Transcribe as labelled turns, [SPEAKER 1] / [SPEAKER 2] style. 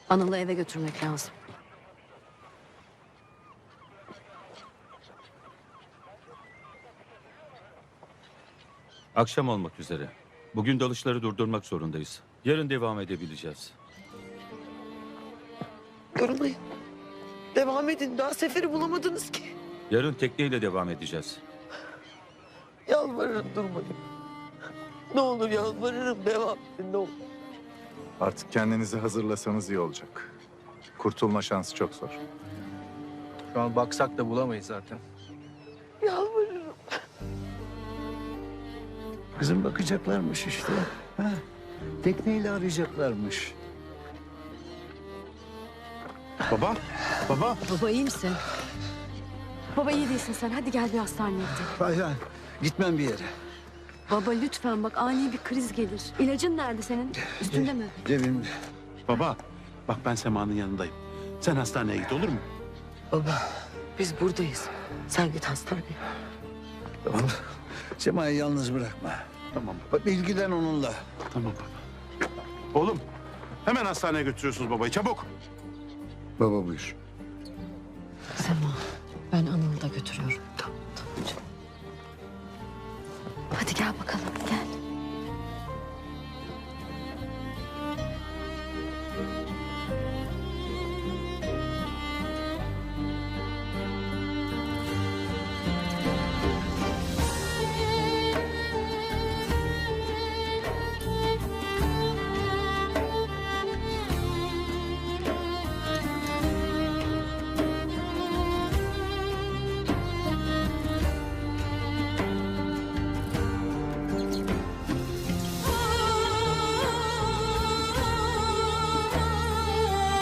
[SPEAKER 1] Anıl'ı eve götürmek lazım.
[SPEAKER 2] Akşam olmak üzere. Bugün dalışları durdurmak zorundayız. Yarın devam edebileceğiz.
[SPEAKER 3] Durmayın. Devam edin. Daha seferi bulamadınız ki.
[SPEAKER 2] Yarın tekneyle devam edeceğiz.
[SPEAKER 3] Yalvarırım durmayın. Ne olur yalvarırım devam edin ne olur.
[SPEAKER 4] Artık kendinizi hazırlasanız iyi olacak. Kurtulma şansı çok zor.
[SPEAKER 5] Şu an baksak da bulamayız zaten.
[SPEAKER 3] Yalvarırım.
[SPEAKER 6] Kızım bakacaklarmış işte. Ha? Tekneyle arayacaklarmış.
[SPEAKER 4] Baba, baba.
[SPEAKER 1] Baba iyi misin? Baba iyi değilsin sen. Hadi gel bir hastaneye gidelim.
[SPEAKER 6] Hayır, hayır. Gitmem bir yere.
[SPEAKER 1] Baba lütfen bak ani bir kriz gelir. İlacın nerede senin? Üstünde mi?
[SPEAKER 6] Cebimde.
[SPEAKER 7] Baba, bak ben Sema'nın yanındayım. Sen hastaneye git olur mu?
[SPEAKER 3] Baba biz buradayız. Sen git hastaneye.
[SPEAKER 6] Tamam. Sema'yı yalnız bırakma.
[SPEAKER 7] Tamam,
[SPEAKER 6] Bak ilgilen onunla.
[SPEAKER 7] tamam baba. Oğlum, hemen hastaneye götürüyorsunuz babayı, çabuk.
[SPEAKER 6] Baba buyur.
[SPEAKER 1] Sema ben Anıl'ı da götürüyorum.